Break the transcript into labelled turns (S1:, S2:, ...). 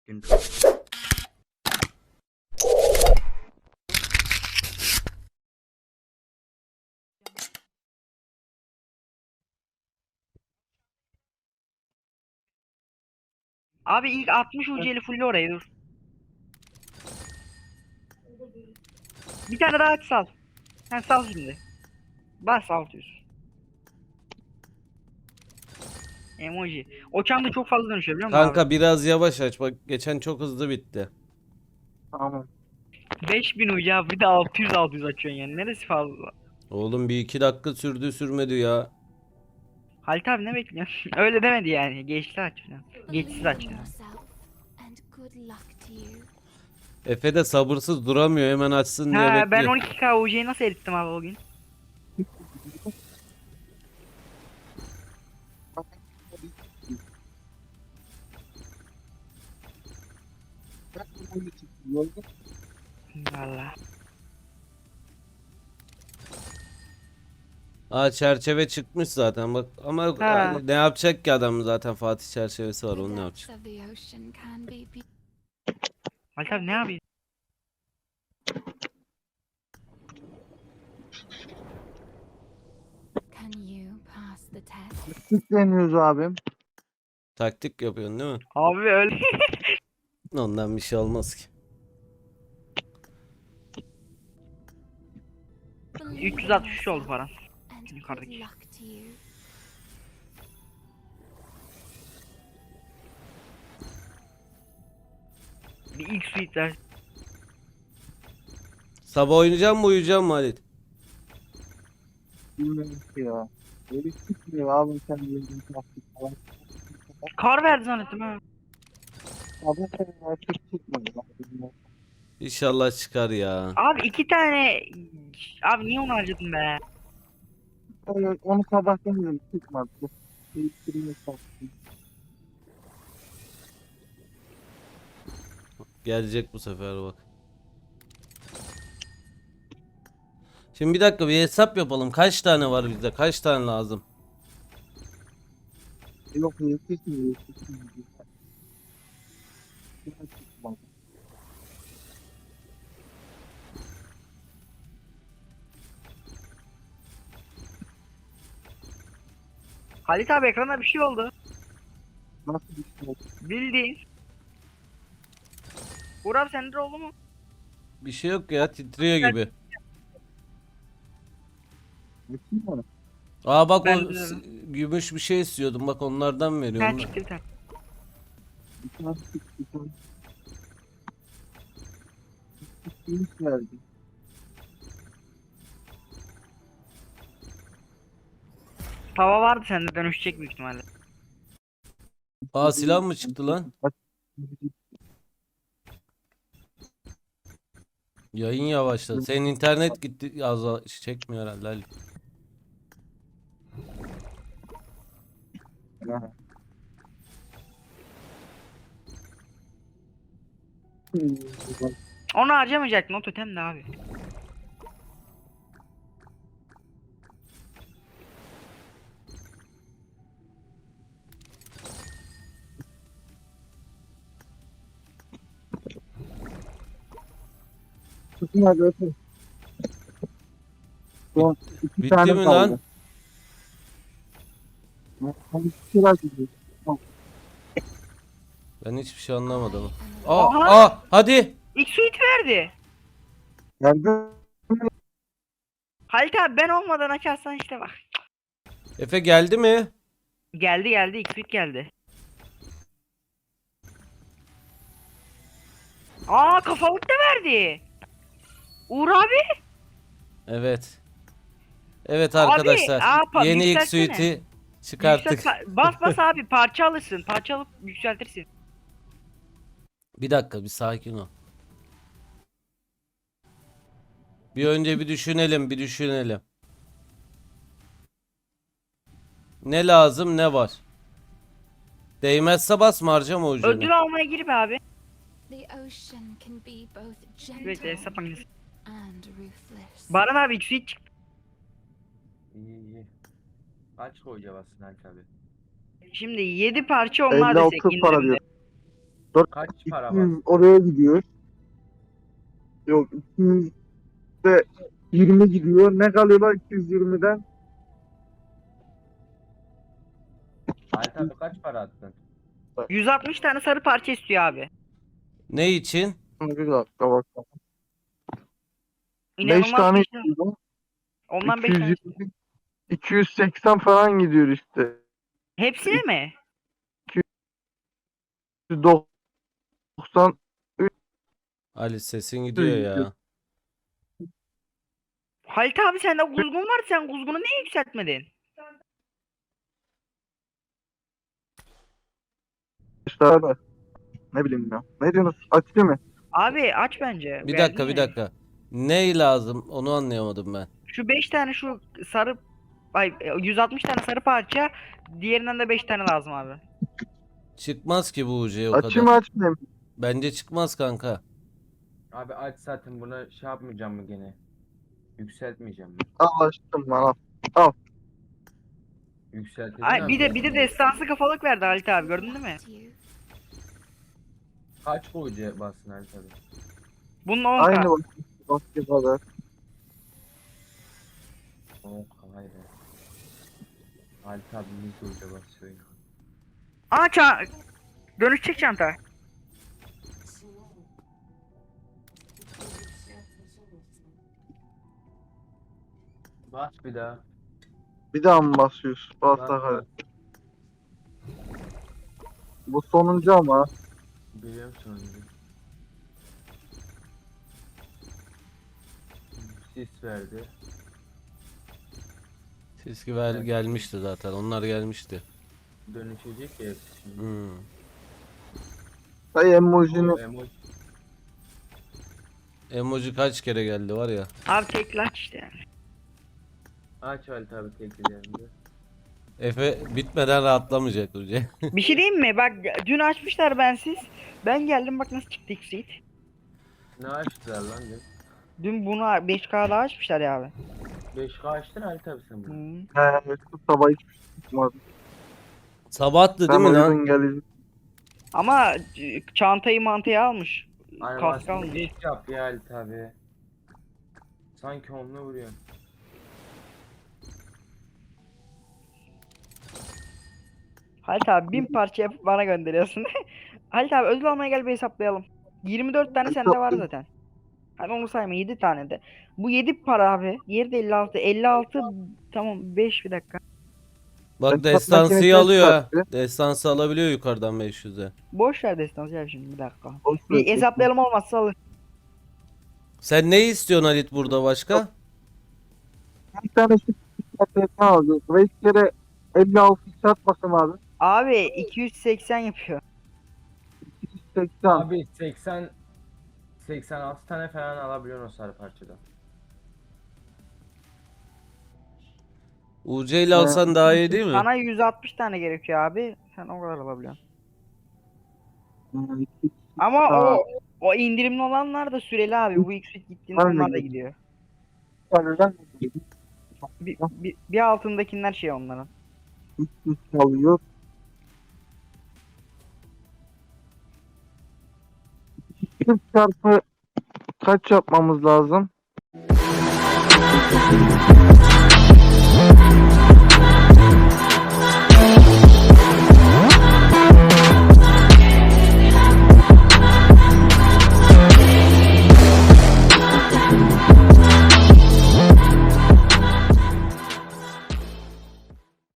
S1: gündür. Abi ilk 60 UC'li full oraya dur. Bir tane daha aç sal. Sen sal şimdi. Bas 600. Emoji. O çam da çok fazla dönüşüyor biliyor musun abi?
S2: Kanka biraz yavaş aç. Bak geçen çok hızlı bitti.
S3: Tamam.
S1: 5000 UC abi bir de 600 açıyorsun yani. Neresi fazla?
S2: Oğlum bir iki dakika sürdü sürmedi ya.
S1: Halit abi ne bekliyorsun? Öyle demedi yani. Geçti aç falan. Geçsiz aç yani.
S2: Efe de sabırsız duramıyor, hemen açsın diye
S1: Ha ben
S2: bekliyor.
S1: 12K UC'yi nasıl erittim abi o gün? Valla.
S2: Aa, çerçeve çıkmış zaten bak, ama
S1: Ha.
S2: ne yapacak ki adam, zaten Fatih çerçevesi var, onu ne yapacak?
S1: Halit abi ne yapıyorsun?
S3: Süsleniyoruz abim.
S2: Taktik yapıyorsun değil mi?
S1: Abi öyle.
S2: Ondan bir şey olmaz ki.
S1: 363 oldu paran. Yukarıdaki. Bir ilk suite ver.
S2: Sabah oynayacağım mı, uyuyacağım mı Halit?
S3: Bilmiyorum ki ya. Böyle çıkmıyor abim sen yediğin taktik falan.
S1: Kar verdi zannettim ha.
S3: Abi sen artık çıkmadı.
S2: İnşallah çıkar ya.
S1: Abi iki tane. Abi niye onu harcadın be?
S3: Onu sabahtan dedim çıkmadı. Değiştireyim taktiği.
S2: Gelecek bu sefer bak. Şimdi bir dakika, bir hesap yapalım. Kaç tane var bizde? Kaç tane lazım?
S3: Yok yetişmiyor. Çıkmadı.
S1: Halit abi ekrana bir şey oldu.
S3: Nasıl bir şey oldu?
S1: Bildiğin. Uğur abi sende de oldu mu?
S2: Bir şey yok ya, titriyor gibi.
S3: Çıkmadı.
S2: Aa bak,
S1: Ben
S2: o
S1: de.
S2: gümüş bir şey istiyordum. Bak onlardan
S1: Ha
S2: veriyorum ben.
S1: çıktı bir tane.
S3: Bir tane çıktı. Bir tane çıkmış verdi.
S1: Tava vardı sende dönüşecek büyük ihtimalle.
S2: Aa, silah mı çıktı lan? Yayın yavaşladı. Senin internet gitti. Az çekmiyor herhalde Ali.
S3: Ha.
S1: Onu harcamayacaktın o totem de abi.
S3: Çıkmadı öpün. Son iki
S2: Bitti
S3: tane
S2: mi
S3: kaldı.
S2: lan?
S3: Hani bir şeyler gidiyor.
S2: Ben hiçbir şey anlamadım.
S1: Aha!
S2: Hadi.
S1: İlk suite verdi.
S3: Nerede?
S1: Halit abi ben olmadan açarsan işte bak.
S2: Efe geldi mi?
S1: Geldi geldi ilk suite geldi. Aa kafalık da verdi. Uğur abi.
S2: Evet. Evet
S1: Abi
S2: arkadaşlar. Yeni ilk
S1: yükseltsene.
S2: suite'i çıkarttık.
S1: Bas bas abi parça alırsın. Parça alıp yükseltirsin.
S2: Bir dakika, bir sakin ol. Bir önce bir düşünelim, bir düşünelim. Ne lazım, ne var? Değmezse basma, harcama ucunu.
S1: Ödül almaya gir be abi.
S4: Evet,
S1: Hesap makinesi.
S4: and ruthless.
S1: Baran abi ilk suite çıktı.
S5: İyi. Kaç koyacağız aslında Halit abi?
S1: Şimdi 7 parça onlar
S3: 56
S1: desek
S3: para
S1: indirimde.
S3: diyor.
S5: Kaç para
S3: 200
S5: var?
S3: oraya gidiyor. Yok 200 de 20 gidiyor. Ne kalıyorlar 220'den?
S5: Halit abi kaç para attın?
S1: 160 tane sarı parça istiyor abi.
S2: Ne için?
S3: Bir dakika bak. 5
S1: İnanılmaz
S3: tane
S1: bir şey.
S3: istiyorum.
S1: Ondan 5 tane.
S3: 220, 280 falan gidiyor işte.
S1: Hepsine mi?
S3: 290
S2: Ali sesin gidiyor ya.
S1: Halit abi sende kuzgun var, sen kuzgunu niye yükseltmedin?
S3: işte da. Ne bileyim ya. Ne diyorsunuz? Açayım mı?
S1: Abi aç bence.
S2: Bir
S1: Verdin
S2: dakika bir
S1: ya.
S2: dakika. Ne lazım onu anlayamadım ben.
S1: Şu 5 tane şu sarı 160 tane sarı parça, diğerinden de 5 tane lazım abi.
S2: Çıkmaz ki bu UC o
S3: Açayım mı
S2: kadar.
S3: açmayayım mı?
S2: Bence çıkmaz kanka.
S5: Abi aç zaten buna şey yapmayacağım mı gene? Yükseltmeyeceğim mi?
S3: Al açtım lan al.
S5: Yükselteceğim
S1: Ay bir de
S5: abi.
S1: destansı kafalık verdi Halit abi, gördün değil mi?
S4: To you.
S5: Kaç koyucu bassın Halit abi?
S1: Bunun 10k.
S3: Aynı başka kadar.
S5: Oh vay be. Halit abi ne koyucu basıyor ya?
S1: Aa dönüşecek çanta.
S5: Bas bir daha.
S3: Bir daha mı basıyoruz? Bas
S5: Bas,
S3: hadi.
S5: bas.
S3: Bu sonuncu ama.
S5: Biliyorum sonunda. Sis verdi.
S2: Siski ver gelmişti zaten. Onlar gelmişti.
S5: Dönüşecek ya hepsi şimdi.
S2: Hmm.
S3: Dayı emojini
S5: O emoji.
S2: Emoji kaç kere geldi var ya.
S1: Abi tekli işte yani.
S5: Aç Halit abi teklilerini.
S2: Efe bitmeden rahatlamayacak UC.
S1: Bir şey diyeyim mi? Bak dün açmışlar bensiz. Ben geldim bak nasıl çıktı X-Seed.
S5: Ne açtılar lan dün?
S1: Dün bunu 5K'da açmışlar ya abi.
S5: 5K açtın Halit abi sen bunu.
S3: sabah hiçbir şey çıkmadı.
S2: Sabahtı
S3: Sen
S2: değil mi lan?
S1: Hmm.
S3: uyudun gelecek.
S1: Ama çantayı mantayı almış. Kask
S5: Animasyonu
S1: almış.
S5: geç yap ya Halit abi. Sanki onunla vuruyor.
S1: Halit abi 1000 parça yapıp bana gönderiyorsun. Halit abi ödül almaya gel bir hesaplayalım. 24 tane sende var zaten. Hani onu sayma 7 tane de. Bu 7 para abi. Diğeri de 56. 56 tamam 5 bir dakika.
S2: Bak
S3: Hesap
S2: destansıyı
S3: makinesi
S2: alıyor ha.
S3: çıkarttı.
S2: Destansı alabiliyor yukarıdan 500'e.
S1: Boş ver destansı ya şimdi bir dakika.
S3: Boş ver.
S1: Bir hesaplayalım olmazsa alır.
S2: Sen ne istiyorsun Halit burada başka?
S3: Bir tane şu ne alacağız? 5 kere 56 çarpmasın abi.
S1: Abi 280 yapıyor.
S3: 280.
S5: Abi 86 tane falan alabiliyorsun o sarı parçadan.
S2: UC ile alsan daha iyi değil mi?
S1: Sana 160 tane gerekiyor abi. Sen o kadar alabiliyorsun. Ama o indirimli olanlar da süreli abi. Bu X-Fit gittiğinde
S3: Var mı?
S1: onlar da gidiyor. Bir altındakiler şey onların.
S3: alıyor. Çarpı kaç yapmamız lazım?